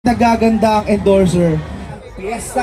nagaganda ang endorser. Fiesta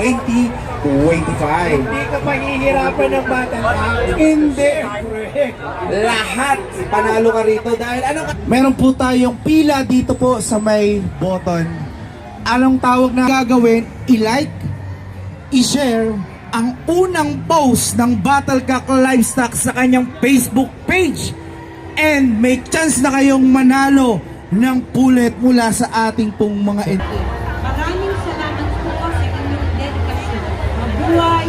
2025. Hindi ka pahihirapan ng batang tao. Hindi. Lahat panalo ka rito dahil ano ka? Meron po tayong pila dito po sa may button. Anong tawag na gagawin? I-like, i-share ang unang post ng Battlecock Livestock sa kanyang Facebook page. And may chance na kayong manalo ng pulet mula sa ating pong mga Maraming salamat po sa inyong dedikasyon. Mabuhay!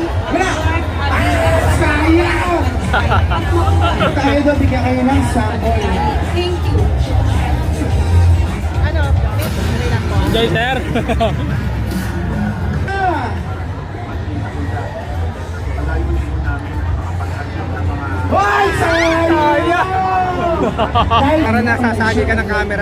Sayang! Tayo doon, bigyan kayo ng sample. Thank you. Enjoy, sir. Hoy! Sayang! Para nasasagi ka ng camera.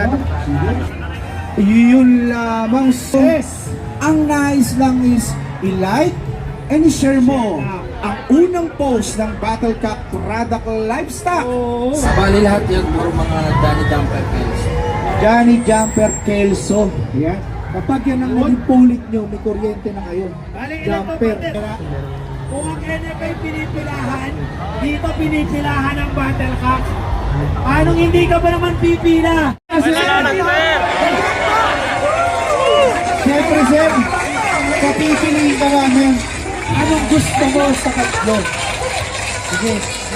Yun lamang sis. Ang nais lang is i-like and i-share mo ang unang post ng Battlecock Product Livestock. Bali lahat yan puro mga Danny Dumper Kills. Johnny Jumper Kelso. Yan. Kapag yan ang naging pulit nyo, may kuryente na kayo. Jumper. Kung ang NFL pinipilahan, dito pinipilahan ang Battlecock. Anong hindi ka ba naman pipila? Salamat, sir. Siyempre, sir, kapipiliin ka namin. Anong gusto mo sa tatlo? Sige.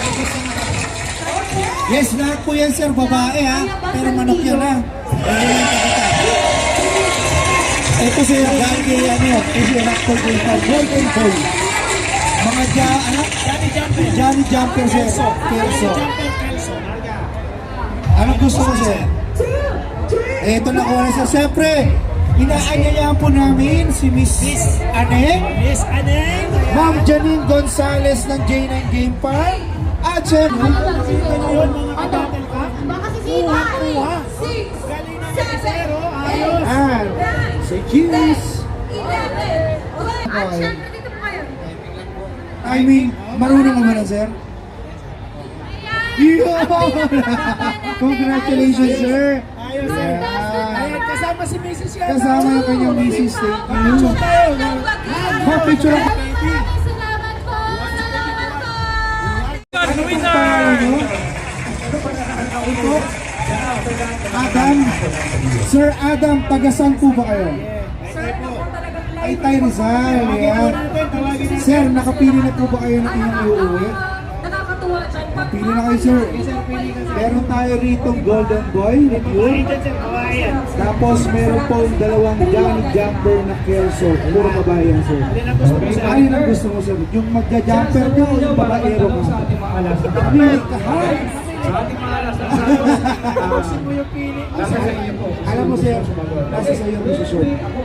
Yes, lahat po yan, sir. Babae, ha? Pero manok yan, ha? Ito, sir, dahil kay, kasi anak ko yung golden boy. Mga Johnny Jumper, sir. Kelso. Anong gusto mo, sir? Ito na ko na, sir. Siyempre, inaanyayahan po namin si Miss Aneng, Miss Aneng! Ma'am Janine Gonzalez ng J9 Game Park, at siyempre, Yun mga ka-Battlecock. Baka sisita! Kuha. Galing ng zero. Ayos. and si Kiris. 11! At syempre dito po kayo. I mean, marunong naman na, sir. Yun! Congratulations, sir. Ayos, sir. Ayan, kasama si Mrs. yan. Kasama yung kanyang misis. Thank you. Picture tayo. Picture ako. Maraming salamat po! Salamat po! Ano pong pangalan nyo? Ito? Adam. Sir Adam, taga-saan po ba kayo? Ay, Tay Rizal. Yan. Sir, nakapili na po ba kayo ng inyong iuwi? Nakakatuwa dyan. Pili na kayo, sir. Meron tayo rito Golden Boy, review. Tapos meron po dalawang Johnny Jumper na Kelso. Puro babae yan, sir. Ayun ang gusto mo, sir. Yung magja-jumper nyo o yung babaero ka? Alam mo, sir, nasa sa iyong desisyon.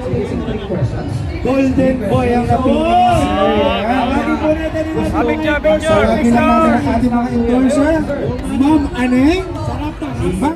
Golden Boy ang napili niya, sir. Abig job, Sabi lang natin ang ating mga endorser, Ma'am Aneng.